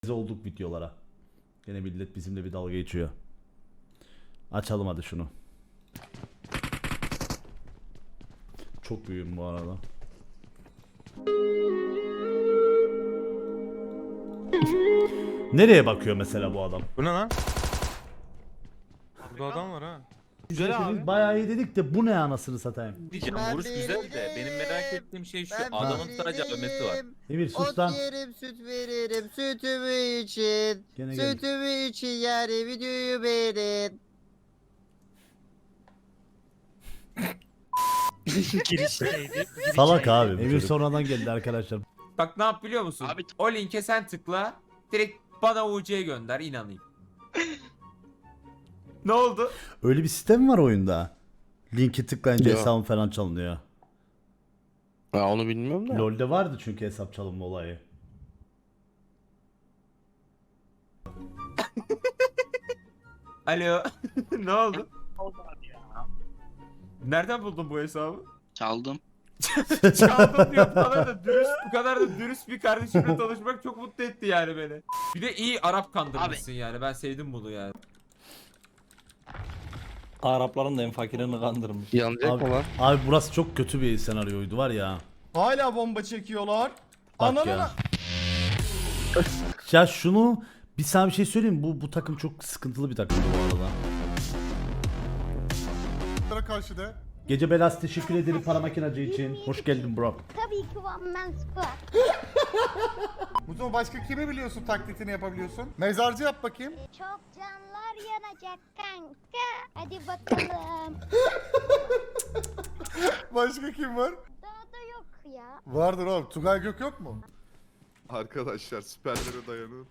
olduk videolara. Gene millet bizimle bir dalga geçiyor. Açalım hadi şunu. Çok büyüğüm bu arada. Nereye bakıyor mesela bu adam? Bu ne lan? Burada adam var ha. Güzel abi. Bayağı iyi dedik de bu ne anasını satayım. Diyeceğim vuruş güzel de benim merak ettiğim şey şu Ben adamın biriyim. sadece övmesi var. Emir sus Ot lan. yerim süt veririm sütümü için. Gene gel. Sütümü için yani videoyu beğenin. Salak abi. Emir sonradan geldi arkadaşlar. Bak ne yap biliyor musun? Abi- O linke sen tıkla. Direkt bana UC'ye gönder inanayım. Ne oldu? Öyle bir sistem var oyunda. Linki tıklayınca Yok. hesabın falan çalınıyor. Ha onu bilmiyorum da. LoL'de vardı çünkü hesap çalınma olayı. Alo. Ne oldu? Nereden buldun bu hesabı? Çaldım. Çaldım diyor. Bu kadar da dürüst bir kardeşimle tanışmak çok mutlu etti yani beni. Bir de iyi Arap kandırmışsın yani. Ben sevdim bunu yani. Arapların da en fakirini kandırmış. Yanacak Abi, mı lan? abi burası çok kötü bir senaryoydu var ya. Hala bomba çekiyorlar. Bak ya. Ya şunu bir sana bir şey söyleyeyim mi? Bu takım çok sıkıntılı bir takımdı bu arada. Karşıda. Gece belası teşekkür ederim para makinacı için. Hoş geldin bro. Tabii ki One Man Squad. Bu zaman başka kimi biliyorsun, taklitini yapabiliyorsun? Mezarcı yap bakayım. Çok canlar yanacak kanka. Hadi bakalım. Başka kim var? Daha da yok ya. Vardır oğlum. Tugay Gök yok mu? Arkadaşlar süperlere dayanın.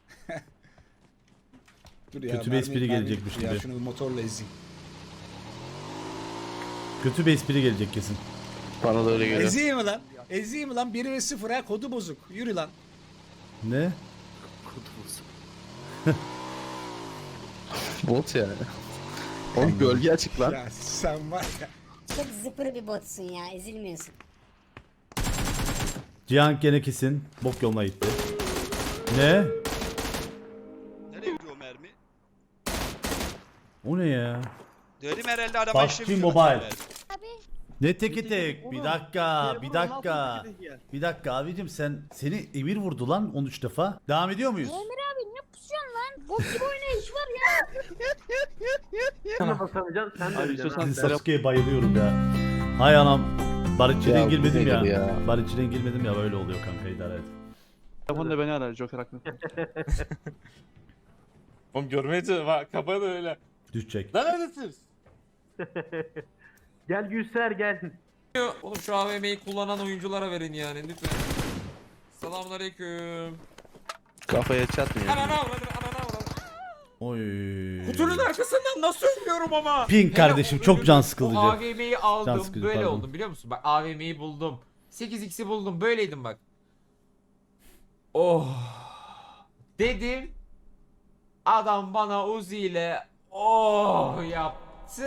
Dur Kötü bir espri gelecekmiş Ya gibi. şunu bir motorla ezeyim. Kötü bir espri gelecek kesin. Bana da öyle geliyor. Ezeyim mi lan? Ezeyim mi lan? 1 ve 0 ha, kodu bozuk. Yürü lan. Ne? Kudumuz. Bot yani. Oğlum gölge açık lan. Ya sen var ya. Çok zıpır bir botsun ya. Ezilmiyorsun. Cihan gene kesin bok yoluna gitti. Ne? Nereye gidiyor mermi? O ne ya? Dedim herhalde araba PUBG işlemiyor. Mobile. Abi Ne teki tek? Bir dakika, bir dakika. Bir dakika abicim seni Emir vurdu lan 13 defa. Devam ediyor muyuz? Emir abi ne pusuyorsun lan? Bok gibi oynayış var ya. Sasuke'ye bayılıyorum ya. Hay anam. Barışçı'dan Ya bu girmedim ya. nedir ya? Barışçı'dan girmedim ya böyle oluyor kanka idare et. Telefonda beni arar Joker haklı. Oğlum görmeye çalışıyorum. Kafa da öyle. Düşecek. Lan neredesiniz? Oğlum şu AVM'yi kullanan oyunculara verin yani lütfen. Selamünaleyküm. Kafaya çatmıyor. Anana avradım, anana avradım. Oy. Kutunun arkasından nasıl ölmüyorum ama? Pink kardeşim, Hele çok can o sıkılıcı. AVM'yi aldım Can sıkıcı, böyle pardon. oldum biliyor musun? Bak AVM'yi buldum. 8x'i buldum böyleydim bak. Oh. Dedim. Adam bana Uzi ile oh yaptı.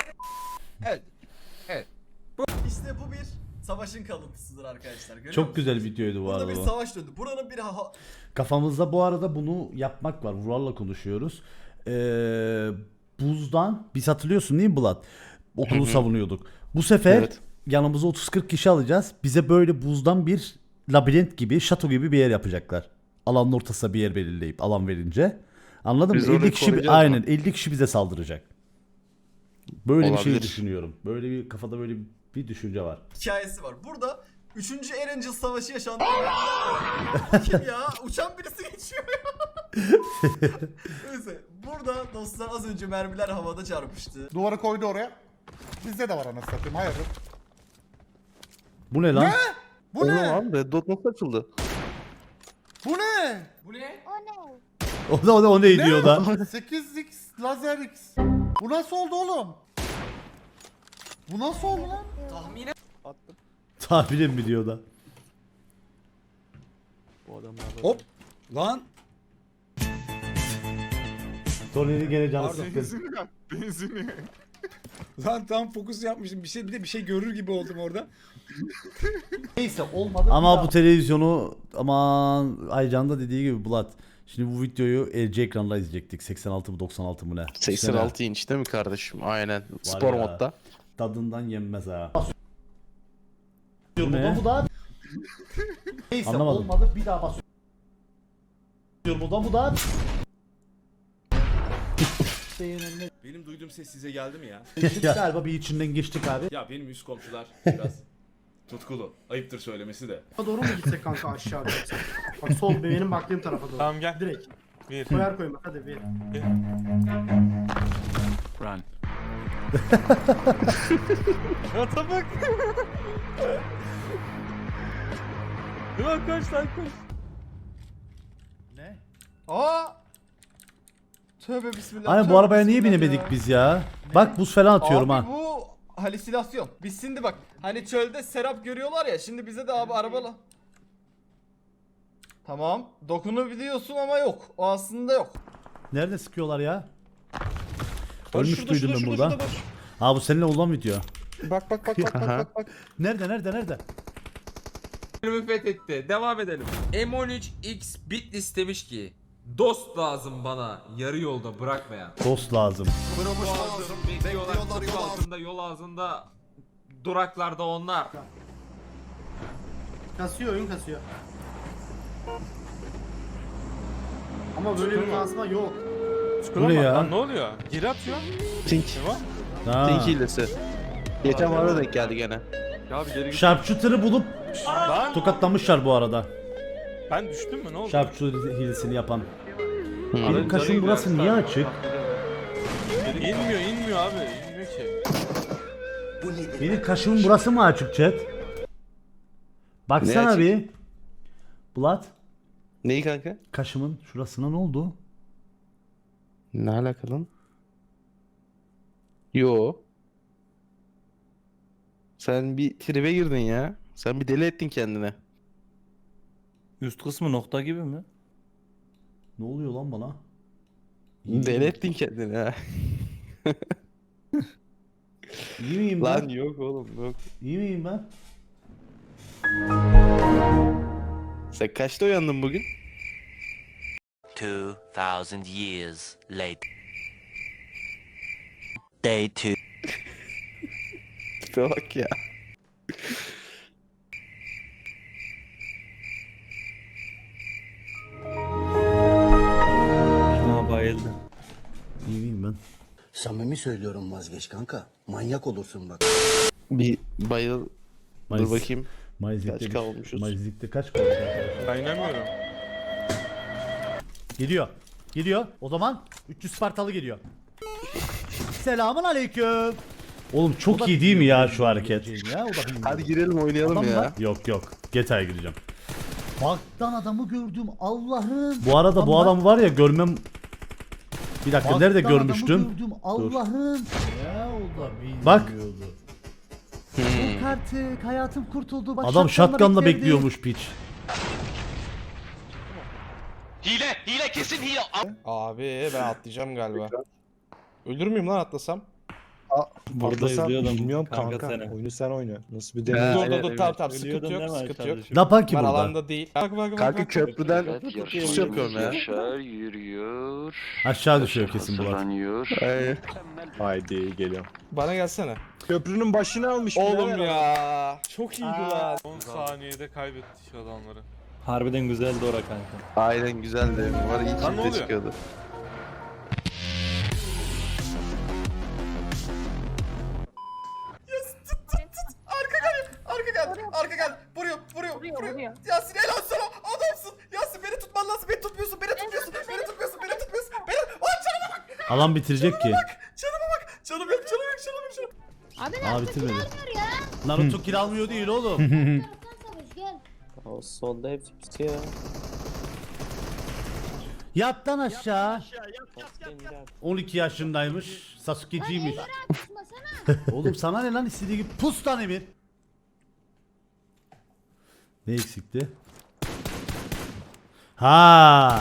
İşte bu bir savaşın kalıntısıdır arkadaşlar. Görüyor Çok musunuz? güzel videoydu bu Burada arada. bir bu. savaş döndü. Buranın bir Kafamızda bu arada bunu yapmak var. Vural'la konuşuyoruz. Buzdan biz hatırlıyorsun değil mi Bulat? Okulu savunuyorduk. Bu sefer Evet. yanımıza 30-40 kişi alacağız. Bize böyle buzdan bir labirent gibi, şato gibi bir yer yapacaklar. Alanın ortasına bir yer belirleyip alan verince. Anladın Biz mı? orayı 50 kişi koruyacağız aynen mı? 50 kişi bize saldıracak. Böyle bir şey Olabilir. düşünüyorum. Böyle bir kafada böyle bir düşünce var. hikayesi var. Burada 3. Erangel Savaşı yaşandı. Kim ya? Uçan birisi geçiyor ya. Neyse. Burada dostlar az önce mermiler havada çarpıştı. Duvarı koydu oraya. Bizde de var anasını satayım. Hayırdır? Bu ne lan? Bu Oğlum ne? lan Red Dot nasıl açıldı? Bu ne? Bu ne? O ne? O ne diyor da? 8x lazer x. Bu nasıl oldu oğlum? Bu nasıl oldu lan? Tahminen Tahminim mi diyor da? Bu adamlar Hop. Lan. Tony'nin gene canı Pardon. sıkkın. Benzini. Lan tam fokus yapmıştım. Bir de bir şey görür gibi oldum orada. Neyse olmadı. Ama bu televizyonu aman Aycan da dediği gibi Bulat Şimdi bu videoyu LG ekranda izleyecektik. 86 mı 96 mı ne? 86 inç değil mi kardeşim? Aynen. Spor ya. modda. Tadından yenmez ha. Ne? Bu da neyse Anlamadım. olmadı bir daha basıyorum. Bu da Benim duyduğum ses size geldi mi ya? galiba bir içinden geçtik abi. Ya benim üst komşular biraz tutkulu. Ayıptır söylemesi de. Doğru mu gitsek kanka aşağı doğru? Bak sol benim baktığım tarafa doğru. Tamam gel. Direkt. Bir. Koyar koymak hadi bir. Run. Ata bak. Ulan koş lan koş. Ne? Aa! Tövbe bismillah. Aynen bu tövbe arabaya niye bismillah binemedik ya. biz ya? Bak buz falan atıyorum Abi ha. bu halüsinasyon. Biz şimdi bak hani çölde serap görüyorlar ya şimdi bize de abi arabalı. Tamam dokunabiliyorsun ama yok. O aslında yok. Nerede sıkıyorlar ya? Ölmüş duydum ben burada. Ha bu seninle olan video. Bak bak bak bak Aha. bak bak. Nerede? Bölümü fethetti. Devam edelim. M13X Bitlis demiş ki dost lazım bana yarı yolda bırakmayan. Dost lazım. Bekliyorlar kapı altında yol ağzında duraklarda onlar. Kasıyor oyun kasıyor. Ama böyle bir kasma yok. Bu ne ya? Ne oluyor? Geri atıyor. Tink. Ha. Tink hilesi. Geçen bana denk geldi gene. Ya bir geri git. Sharpshooter'ı bulup Lan tokatlamışlar bu arada. ben düştüm mü ne oldu? Sharpshooter hilesini yapan. Hı. Benim kaşım burası niye açık? İnmiyor abi. İnmiyor ki. Benim kaşımın burası mı açık chat? Baksana açık? bir. Bulat. Neyi kanka? Kaşımın şurasına ne oldu? Ne alakalı lan? Yo. Sen bir tribe girdin ya. Sen bir deli ettin kendine. Üst kısmı nokta gibi mi? Ne oluyor lan bana? Deli ettin kendini ha. İyi miyim Lan ben? yok oğlum yok. İyi miyim ben? Sen kaçta uyandın bugün? 2000 years later. Day 2. Tipe bak ya. Ha bayıldım. İyi miyim ben? Samimi söylüyorum vazgeç kanka. Manyak olursun bak. Bir bayıl. Dur bakayım. Mayızlıkta Kaç kalmışız? Mayızlıkta kaç kaldık arkadaşlar? Ben inanmıyorum. Geliyor. O zaman 300 Spartalı geliyor. Selamun aleyküm. Oğlum çok iyi değil mi ya şu hareket? Ya, o da bilmiyorum. Hadi girelim oynayalım Adam ya. var. Yok. GTA'ya gireceğim. Baktan adamı gördüm Allah'ım. Bu arada bu adamı var ya görmem... Bir dakika nerede görmüştüm? Allah'ım. Ya o da bilmiyordu. Bak. Yok artık hayatım kurtuldu. Bak, Adam shotgunla bekledi. bekliyormuş piç. Hile kesin hile. Abi ben atlayacağım galiba. Ölür müyüm lan atlasam? Burada izliyordum. Bilmiyorum kanka. Oyunu sen oyna. Nasıl bir Ha, deney? Dur evet, dur evet. tamam sıkıntı Ölüyordun yok değil mi sıkıntı yok. kardeşim? Ne yapan ki Ben burada? alanda değil. Bak. Kanka köprüden pus yapıyorum ya. Yürüyor. Aşağı düşüyor kesin Bulat. Ay. Haydi geliyorum. Bana gelsene. Köprünün başını almış. Oğlum ya. Çok iyiydi lan. 10 saniyede kaybettik adamları. Harbiden güzeldi ora kanka. Aynen güzeldi. Var iyi Lan ne çifte oluyor? çıkıyordu. Arka gel. Vuruyor. Yasin helal sana. Adamsın. Yasin beni tutman lazım. Beni tutmuyorsun. Beni tutmuyorsun. Canıma bak. Alan bitirecek ki. Canım yok. Abi Aa nasıl bitirmedi. almıyor ya? Naruto kill almıyor değil oğlum. Taraftan savaş gel. O solda hepsi bitiyor. Yat lan aşağı. 12 yaşındaymış. Sasuke'ciymiş. Tutmasana. Oğlum sana ne lan istediği gibi pus lan Emir. Ne eksikti? Ha,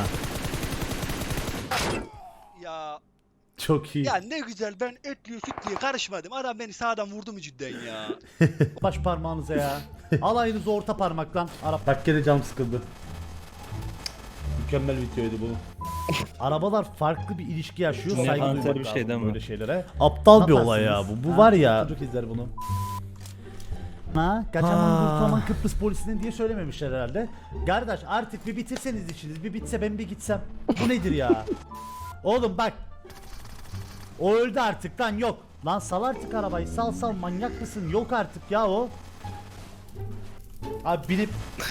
Ya çok iyi. ne güzel ben etliyor süt diye karışmadım. Adam beni sağdan vurdu mu cidden ya? Baş parmağınıza ya. Alayınızı orta parmaktan. Arap. Bak gene canım sıkıldı. Mükemmel videoydu bu. Arabalar farklı bir ilişki yaşıyor. Ne Saygı kanser duymak bir şey lazım değil mi? böyle şeylere. Aptal bir olay ya bu. Bu var ya. Çocuk izler bunu. Ha, kaçaman kurtulaman Kıbrıs polisinin diye söylememişler herhalde. Kardeş artık bir bitirseniz işiniz. Bir bitse ben bir gitsem. Bu nedir ya? Oğlum bak. O öldü artık lan yok. Lan sal artık arabayı. Sal manyak mısın? Yok artık ya o. Abi binip.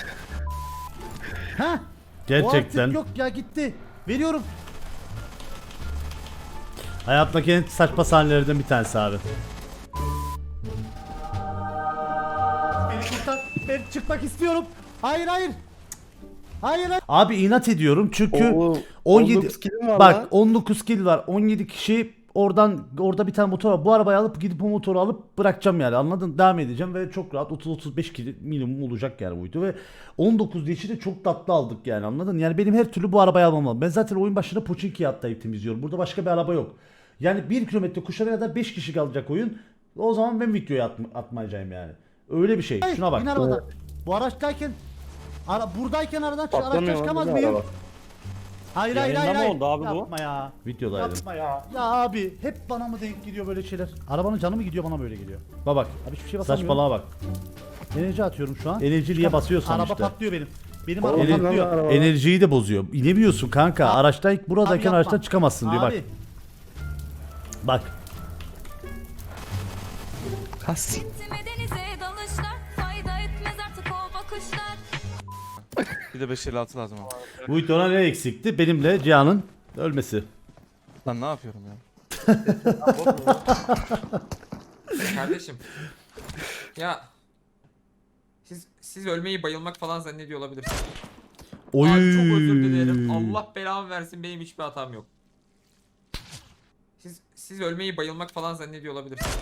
Ha? Gerçekten. O artık yok ya gitti. Veriyorum. Hayatımdaki en saçma sahnelerden bir tanesi abi. Beni kurtar. Ben çıkmak istiyorum. Hayır. Hayır. Abi inat ediyorum çünkü 17 killim var bak lan. 19 kill var. 17 kişi orada bir tane motor var. Bu arabayı alıp gidip o motoru alıp bırakacağım yani. Anladın? Devam edeceğim ve çok rahat 30-35 kill minimum olacak yani buydu ve 19 dişi de çok tatlı aldık yani. Anladın? Yani benim her türlü bu arabayı almam lazım. Ben zaten oyun başında Pochinki'ye atlayıp temizliyorum. Burada başka bir araba yok. Yani 1 kilometre kuşlara kadar 5 kişi kalacak oyun. O zaman ben videoyu atmayacağım yani. Öyle bir şey. Şuna bak. Bu araçtayken buradayken araçtan çıkamaz mıyım? Hayır. Yayında mı oldu abi bu? Yapma ya. Videodaydım. Yapma ya. Ya abi hep bana mı denk gidiyor böyle şeyler? Arabanın canı mı gidiyor bana böyle geliyor? Bak. Abi hiçbir şey basamıyorum. Saçmalığa bak. Enerji atıyorum şu an. Enerjiliye basıyorsan Araba işte. patlıyor benim. Benim araba Ener- patlıyor. Enerjiyi de bozuyor. İnemiyorsun kanka. Buradayken yapma. araçtan çıkamazsın diyor bak. Abi. Bak. Denize dalışlar fayda etmez artık o bakışlar. Bir de 556 lazım ama. Bu videoda ne eksikti? Benimle Cihan'ın ölmesi. Lan ne yapıyorum ya? Kardeşim. Ya siz ölmeyi bayılmak falan zannediyor olabilirsiniz. Oy. Abi çok özür dilerim. Allah belamı versin, benim hiçbir hatam yok. Siz ölmeyi bayılmak falan zannediyor olabilirsiniz.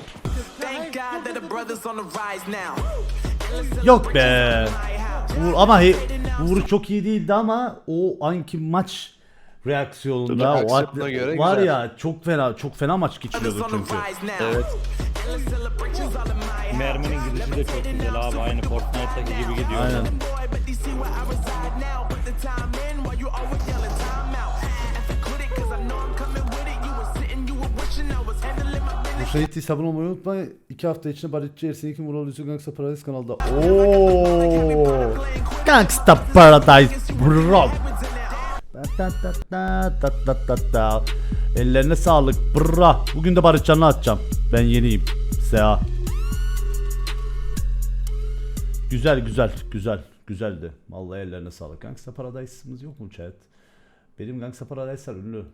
Yok be. Ama Uğur çok iyi değildi ama o anki maç reaksiyonunda o Aksiyonuna göre var güzel. ya çok fena maç geçiriyordu çünkü. Evet. Merminin gidişi de çok güzel abi. Aynı Fortnite'daki gibi gidiyor. Aynen. Bu şehit sabun olmayı unutma. 2 hafta içinde Barışçı Ersin'in Mural Yusuf Gangsta Paradise kanalda. Ooo. Gangsta Paradise bro. Ellerine sağlık bra. Bugün de Barışcan'la atacağım. Ben yeniyim. Seha. Güzeldi. Vallahi ellerine sağlık. Gangsta Paradise'ımız yok mu chat? Benim Gangsta Paradise'lar ünlü.